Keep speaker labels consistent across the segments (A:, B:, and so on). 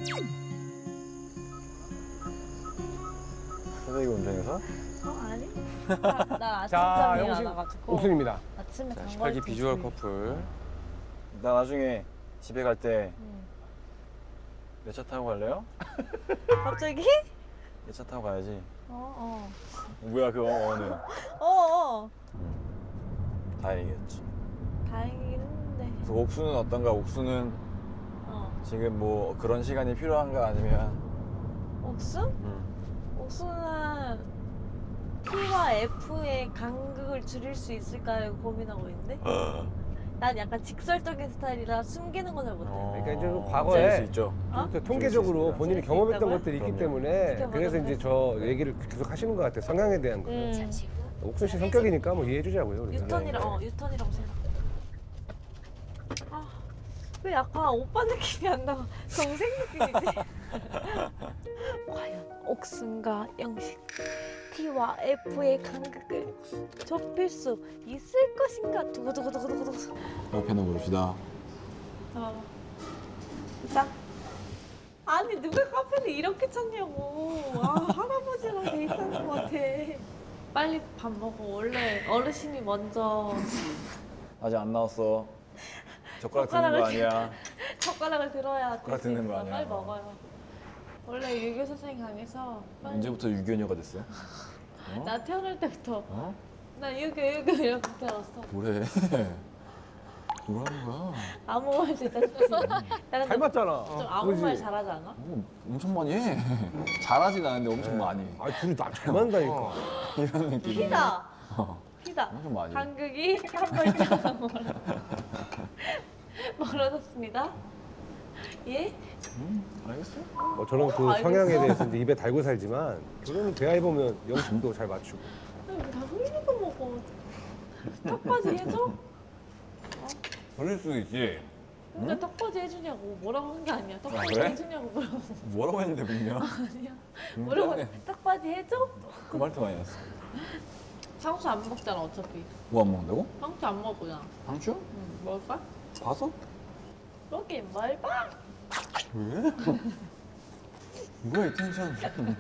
A: 새벽에 운전해서?
B: 아니? 나
C: 자,
B: 아침잠이
C: 영식
B: 많아가지고
C: 옥순입니다.
B: 아침에 단
D: 18기 비주얼 커플.
A: 나 나중에 집에 갈 때
B: 응.
A: 내 차 타고 갈래요?
B: 갑자기?
A: 내 차 타고 가야지.
B: 어어
A: 뭐야 그 어는.
B: 어어
A: 다행이겠지.
B: 다행이긴 했는데
A: 그래서 옥수는 어떤가? 옥수는 지금 뭐 그런 시간이 필요한가 아니면
B: 옥순? 옥순은 P와 F의 간극을 줄일 수 있을까 고민하고 있는데 난 약간 직설적인 스타일이라 숨기는 건 잘 못해.
C: 그러니까 이제 그
A: 줄일
C: 과거에
A: 수 있죠.
B: 어?
C: 또 통계적으로
A: 있습니다.
C: 본인이
B: 줄수
C: 경험했던
B: 있다고요?
C: 것들이 있기
A: 그럼요.
C: 때문에
B: 지켜보도록
C: 그래서 이제 저 얘기를 계속 하시는 것 같아요. 성향에 대한 거. 옥순 씨 성격이니까 뭐 이해해주자고요. 우리가.
B: 유턴이라고 생각. 아, 왜 약간 오빠 느낌이 안 나고 동생 느낌이지? 과연 옥순과 영식 T와 F의 간극을 좁힐 수 있을 것인가? 두구두구두구두구.
A: 옆에는 모릅시다.
B: 잠깐만. 자. 아니 누가 카페를 이렇게 찾냐고. 아 할아버지랑 데이트하는 것 같아. 빨리 밥 먹어. 원래 어르신이 먼저
A: 아직 안 나왔어. 젓가락 드는 거 아니야.
B: 젓가락을 들어야
A: 젓가락
B: 될수
A: 드는 거
B: 있어.
A: 아니야.
B: 빨리 먹어요. 원래 유교 선생님 강에서 빨리.
A: 언제부터 유교녀가 됐어? 어?
B: 나 태어날 때부터
A: 어?
B: 나 유교 이렇게 태어났어.
A: 뭐래? 뭐라는 거야?
B: 아무 말 진짜 좋지. 나는
C: 닮았잖아.
B: 좀 아무 말 잘하지 않아?
A: 어, 엄청 많이 해. 잘하진 않은데 엄청 많이.
C: 아 둘이 나 잘 만다니까.
A: 이런 느낌.
B: 피다.
A: 어,
B: 피다.
A: 엄청 많이.
B: 간극이 한 발짝 멀어졌습니다. 예?
A: 알겠어?
C: 저는 그
B: 알겠어.
C: 성향에 대해서 이제 입에 달고 살지만 결혼은 대화해 보면 영식도 잘 맞추고.
B: 다 흘리는 거 먹어. 턱받이 해줘?
A: 그럴 수 있지.
B: 그러니까 턱받이 해주냐고. 뭐라고 한 게 아니야. 턱받이
A: 그래?
B: 해주냐고 뭐라고.
A: 뭐라고 했는데 분명.
B: 아니야. 뭐라고 턱받이 해줘?
A: 그 말도 많이 했어.
B: 상추 안 먹잖아 어차피.
A: 뭐 안 먹는다고?
B: 상추 안 먹잖아.
A: 상추?
B: 응. 먹을까?
A: 봐서?
B: 여기 뭘 봐?
A: 왜? 뭐야 이 텐션.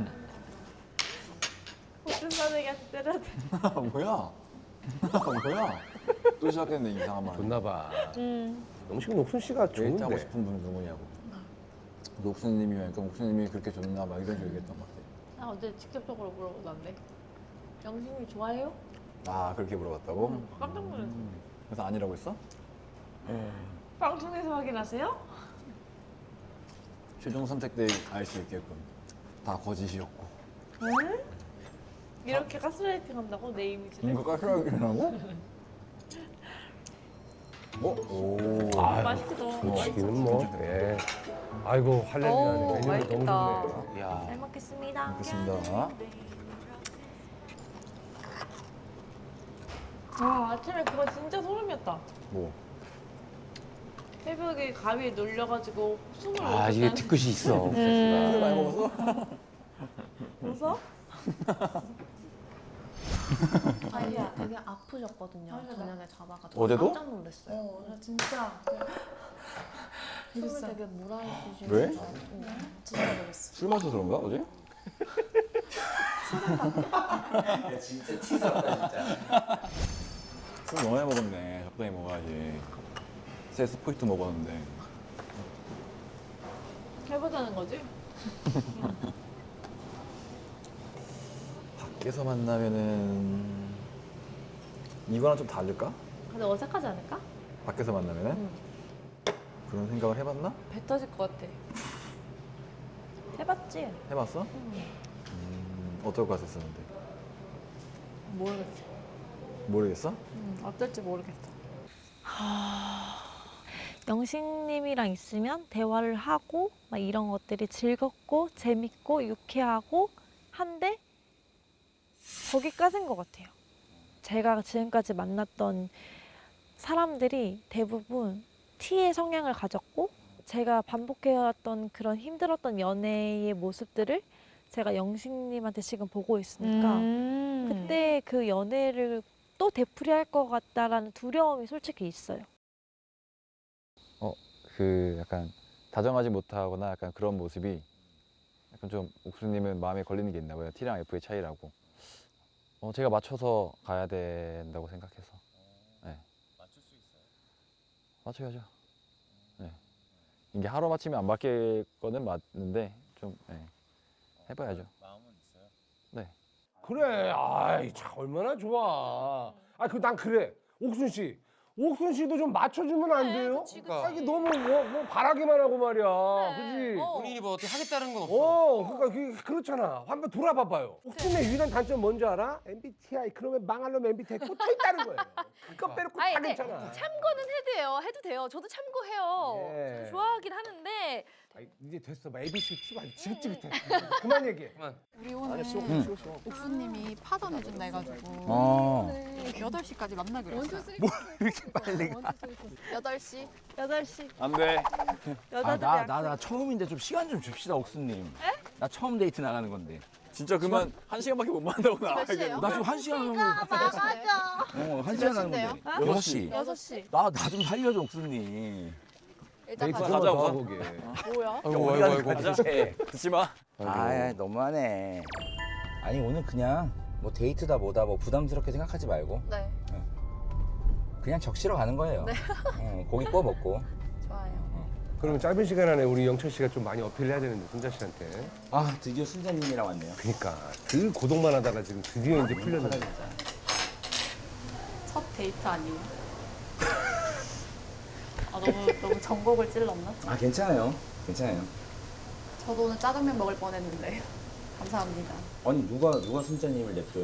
B: 무슨 사내기한테 때려야 돼.
A: 뭐야? 뭐야? 또 시작했네 이상한 말.
C: 좋나 봐.
B: 응.
C: 영식은 옥순 씨가
A: 데이트하고
C: 좋은데.
A: 싶은 분은 누구냐고. 옥수님이니까 옥수님이 그렇게 좋나 막 이런 식으로 얘기했던 것 같아.
B: 나 어제 직접적으로 물어보던데. 영식님 좋아해요?
A: 아 그렇게 물어봤다고?
B: 깜짝 놀랐어.
A: 그래서 아니라고 했어?
B: 방송에서 확인하세요?
A: 최종 선택 때 알 수 있게끔 다 거짓이었고.
B: 응? 이렇게 가스라이팅 한다고? 내 이미지를?
A: 이거 까끌하고? 오.
C: 아유,
B: 맛있겠다.
C: 음식이는 뭐. 예. 아이고 할렐루야네. 메뉴가 너무 좋네.
A: 야.
B: 잘 먹겠습니다.
A: 먹겠습니다.
B: 와 아침에 그거 진짜 소름이었다.
A: 뭐?
B: 새벽에 가위에 눌려가지고 숨을
D: 아,
B: 못
D: 이게
B: 쉬었다는-
D: 뒤끝이 있어.
A: 술 많이 먹었어?
B: 웃어?
E: 아니야, 되게 아프셨거든요. 저녁에 자다가지고
A: 어제도?
E: 깜짝 놀랐어요.
B: 나 진짜
E: 숨을 되게 몰아쉬시고
A: 왜?
E: 진짜 놀랐어.
A: 술 마셔서 그런가 어제?
D: 진짜 치사하다, 진짜.
A: 술 너무 많이 먹었네. 적당히 먹어야지. 세스 포인트 먹었는데.
B: 해보자는 거지?
A: 밖에서 만나면은 이거랑 좀 다를까?
B: 근데 어색하지 않을까?
A: 밖에서 만나면은?
B: 응.
A: 그런 생각을 해봤나?
B: 배 터질 것 같아. 해봤지?
A: 해봤어? 어떨 것 같았었는데?
B: 모르겠어.
A: 모르겠어?
B: 어떨지 모르겠어. 영식님이랑 있으면 대화를 하고 막 이런 것들이 즐겁고 재밌고 유쾌하고 한데 거기까지인 것 같아요. 제가 지금까지 만났던 사람들이 대부분 T의 성향을 가졌고 제가 반복해왔던 그런 힘들었던 연애의 모습들을 제가 영식님한테 지금 보고 있으니까 그때 그 연애를 또 되풀이할 것 같다라는 두려움이 솔직히 있어요.
D: 그 약간
A: 다정하지 못하거나 약간 그런 모습이 약간 좀 옥수님은 마음에 걸리는 게 있나 봐요. T랑 F의 차이라고. 제가 맞춰서 가야 된다고 생각해서. 네.
D: 맞출 수 있어요?
A: 맞춰야죠. 네. 이게 하루 맞추면 안 바뀔 거는 맞는데 좀 해봐야죠.
D: 마음은 있어요?
A: 네.
C: 그래. 아이 참 얼마나 좋아. 난 그래. 옥순 씨. 옥순 씨도 좀 맞춰주면 안 돼요?
D: 그러니까.
C: 이게 너무 뭐 바라기만 하고 말이야. 그지?
D: 본인이 뭐 어떻게 하겠다는 건 없어.
C: 그러니까 그렇잖아. 한번 돌아봐봐요. 옥순의 유일한 단점 뭔지 알아? MBTI. 그러면 망할 놈 MBTI 꽂혀 있다는 거예요. 그거 빼놓고 다
F: 근데
C: 괜찮아.
F: 참고는 해도 돼요. 저도 참고해요.
C: 예.
F: 저는 좋아하긴 하는데
C: 이제 됐어. ABC 팁 아주 지긋지긋해. 그만 얘기해.
D: 그만.
E: 우리 오늘 옥수님이 파전 해준다 해가지고 8시까지 만나기로 했어요.
C: 이렇게 빨리 가.
E: 8시?
B: 8시
A: 안 돼.
B: 여자들
G: 나 처음인데 좀 시간 좀 줍시다 옥수님. 나 처음 데이트 나가는 건데.
A: 진짜 그만 1시간밖에 못 만나고
E: 몇 시에요?
G: 나 지금 1시간 정도.
E: 나가자.
G: 1시간 하는
E: 몇인데요?
G: 건데. 6시.
E: 6시.
G: 나 좀 살려줘 옥수님.
E: 일단
C: 데이트
E: 가자.
C: 좀
A: 가자,
C: 더
A: 우선.
C: 보게.
E: 뭐야?
G: 아이고.
A: 듣지 마.
G: 아 너무하네. 아니 오늘 그냥 뭐 데이트다 뭐다 뭐 부담스럽게 생각하지 말고
E: 네,
G: 그냥 적시러 가는 거예요. 고기 구워 먹고.
E: 좋아요.
C: 그러면 짧은 시간 안에 우리 영철 씨가 좀 많이 어필해야 되는데 순자 씨한테.
G: 아 드디어 순자님이랑 왔네요.
C: 그러니까 늘 고독만 하다가 지금 드디어 이제 풀렸는데.
E: 첫 데이트 아니에요? 너무 전곡을 찔렀나?
G: 아 괜찮아요. 괜찮아요.
E: 저도 오늘 짜장면 먹을 뻔했는데 감사합니다.
G: 아니 누가 순자님을 냅둬요?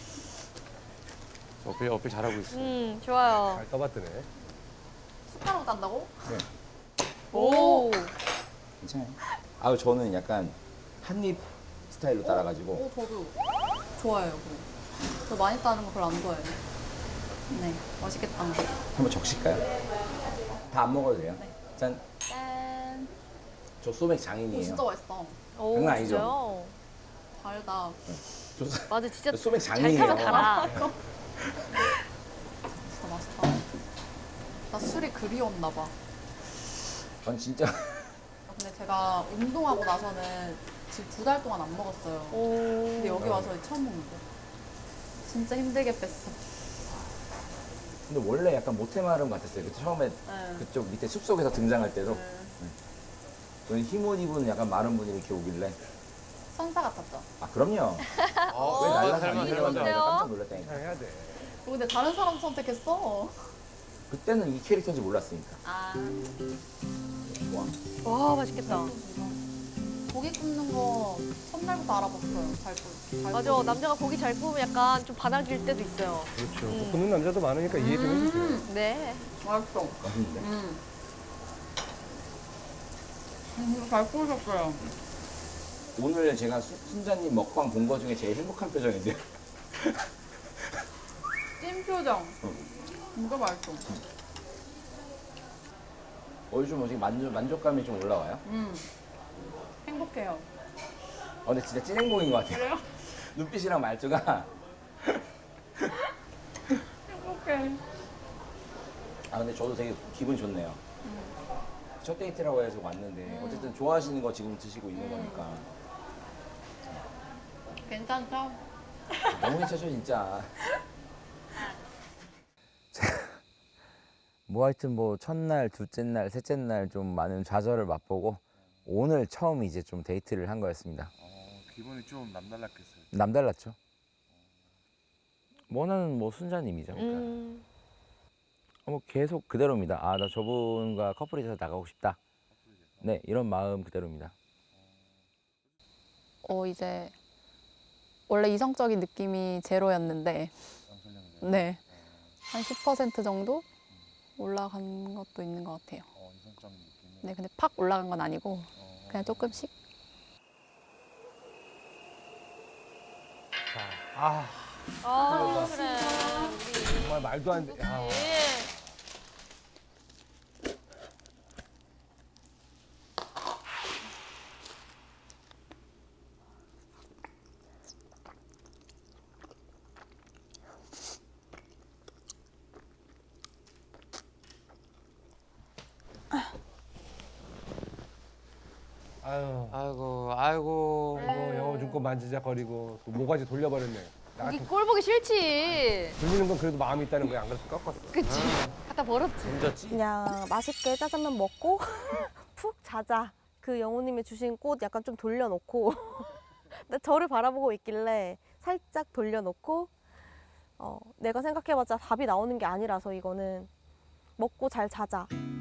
D: 어필 잘하고 있어.
F: 좋아요.
C: 잘 떠봤더네.
E: 숟가락 딴다고?
G: 네.
E: 오.
G: 괜찮아요. 아 저는 약간 한입 스타일로 따라가지고.
E: 오, 저도 좋아해요. 그거. 저 많이 따는 거 별로 안 좋아해요. 네, 맛있겠다.
G: 한번 적실까요? 다 안 먹어도 돼요. 짠.
E: 짠.
G: 저 소맥
E: 오,
G: 장인이에요.
E: 진짜 맛있다.
F: 오,
G: 장난 아니죠?
F: 진짜요?
E: 달다.
G: 저
F: 맞아, 진짜
G: 소맥
F: 잘
G: 장인이에요.
F: 타면 달아.
E: 진짜 맛있다. 나 술이 그리웠나 봐.
G: 전 진짜
E: 근데 제가 운동하고 나서는 지금 2달 동안 안 먹었어요. 근데 여기 와서 처음 먹는 거. 진짜 힘들게 뺐어.
G: 근데 원래 약간 모태마름 같았어요. 그때 처음에
E: 네.
G: 그쪽 밑에 숲속에서 등장할 때도
E: 네.
G: 저는 흰옷 입은 약간 마른 분이 이렇게 오길래
E: 선사 같았죠?
G: 아 그럼요. 왜 날라서 안 내려가서 내가 깜짝 놀랐다니까.
C: 해야 돼.
E: 근데 다른 사람 선택했어.
G: 그때는 이 캐릭터인지 몰랐으니까.
E: 아.
G: 좋아.
F: 와, 맛있겠다.
E: 고기 굽는 거 첫날부터 알아봤어요.
F: 맞아, 남자가 고기 잘 구우면 약간 좀 반항일 때도 있어요.
C: 그렇죠. 못 굽는 남자도 많으니까 이해 좀 해주세요.
F: 네.
E: 맛있어.
G: 맛있는데.
E: 잘 구우셨어요.
G: 오늘 제가 순자님 먹방 본 거 중에 제일 행복한 표정인데요.
E: 찐 표정. 진짜 맛있어.
G: 요즘 지금 만족감이 좀 올라와요.
E: 행복해요.
G: 근데 진짜 찐 행복인 것 같아요.
E: 그래요?
G: 눈빛이랑 말투가.
E: 행복해.
G: 아 근데 저도 되게 기분이 좋네요. 첫 데이트라고 해서 왔는데 어쨌든 좋아하시는 거 지금 드시고 있는 거니까
E: 괜찮죠?
G: 너무 괜찮죠 진짜. 뭐 하여튼 뭐 첫날, 둘째 날, 셋째 날 좀 많은 좌절을 맛보고 오늘 처음 이제 좀 데이트를 한 거였습니다.
D: 기분이 좀 남달랐겠어요.
G: 남달랐죠. 원하는 뭐 순자님이죠. 그러니까. 뭐 계속 그대로입니다. 아, 나 저분과 커플이 돼서 나가고 싶다. 네, 이런 마음 그대로입니다.
E: 이제 원래 이성적인 느낌이 제로였는데 네. 한 10% 정도 올라간 것도 있는 것 같아요.
D: 이성적인 느낌이.
E: 네, 근데 팍 올라간 건 아니고 그냥 조금씩.
C: 아,
F: 그래.
C: 정말 말도 안 돼. 아. 아유.
D: 아이고
C: 아이고 영어 중고 만지작거리고 또 모가지 돌려버렸네. 나
F: 거기
C: 같은
F: 꼴 보기 싫지.
C: 돌리는 건 그래도 마음이 있다는 거야. 안 그래서 꺾었어.
F: 그치. 갖다 버렸지.
D: 문졌지.
H: 그냥 맛있게 짜장면 먹고 푹 자자. 그 영호님이 주신 꽃 약간 좀 돌려놓고 근데 저를 바라보고 있길래 살짝 돌려놓고 내가 생각해봤자 답이 나오는 게 아니라서 이거는 먹고 잘 자자.